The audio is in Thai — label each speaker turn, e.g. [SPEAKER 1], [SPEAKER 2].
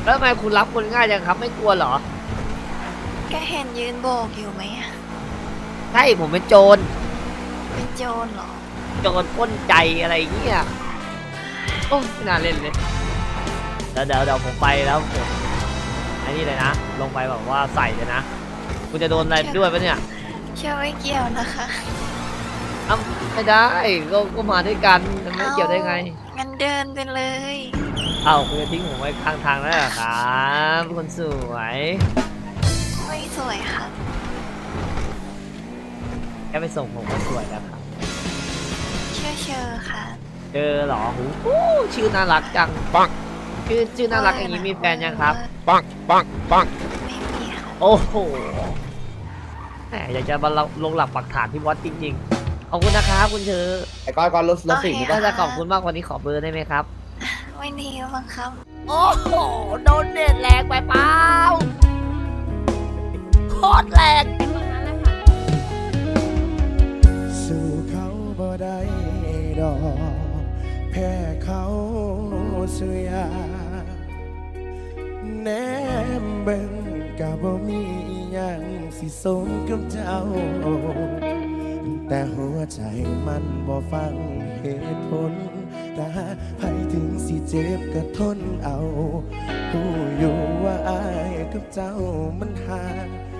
[SPEAKER 1] แล้วทำไมคุณรับคนง่ายจังครับไม่กลัวเหรอ
[SPEAKER 2] ก็เห็นยืนโบกอยู่ไหมอะ
[SPEAKER 1] ใช่ผมเป็นโจร
[SPEAKER 2] เป็นโจรเหรอ
[SPEAKER 1] โจรปล้นใจอะไรเงี้ยโอ้ไม่น่าเล่นเลยเดี๋ยวผมไปแล้วผมไอ้นี่เลยนะลงไปแบบว่าใส่เลยนะคุณจะโดนอะไรด้วยปะเนี่ย
[SPEAKER 2] เชื่อไม่เกี่ยวนะคะ
[SPEAKER 1] อ้าวไม่ได้ก็มาด้วยกันมันไม่เกี่ยวได้ไง
[SPEAKER 2] งั้นเดินไปเลย
[SPEAKER 1] เอ้าคุณจะทิ้งผมไว้ข้างทางแล้วเหรอครับคนสวย
[SPEAKER 2] ไม่สวยค่ะ
[SPEAKER 1] แค่ไปส่งผมก็สวยแล้วครับ
[SPEAKER 2] เชื่อค่ะ
[SPEAKER 1] เจอเหรอหูชื่อน่ารักจังปังชื่อน่ารักอย่างนี้มีแฟนยังครับปัง
[SPEAKER 2] ไม่มีค่ะ
[SPEAKER 1] โอ้โหแหมอยากจะมาลงหลักปักฐานที่วัดจริงๆขอบคุณนะครับคุณเชอ
[SPEAKER 3] ไอ้ก้อนรถสีนี่
[SPEAKER 1] ก็
[SPEAKER 3] ป่ะ
[SPEAKER 1] จะขอบคุณมากวันนี้ขอเบอร์ได้ไหมครับ
[SPEAKER 2] ไม่ดีบังคับ
[SPEAKER 1] โอ้โหโดนเด็ดแรงไปเปล่าโคตรแรง
[SPEAKER 4] สู้เขาบ่ได้ดอกแพ้เขาเสียแนมเบิ่งกะบ่มีอิหยังสิสมกับเจ้าแต่หัวใจมันบ่ฟังเหตุผลแต่ไผถึงสิเจ็บก็ทนเอาผู้อยู่ว่าอายกับเจ้ามันห่าง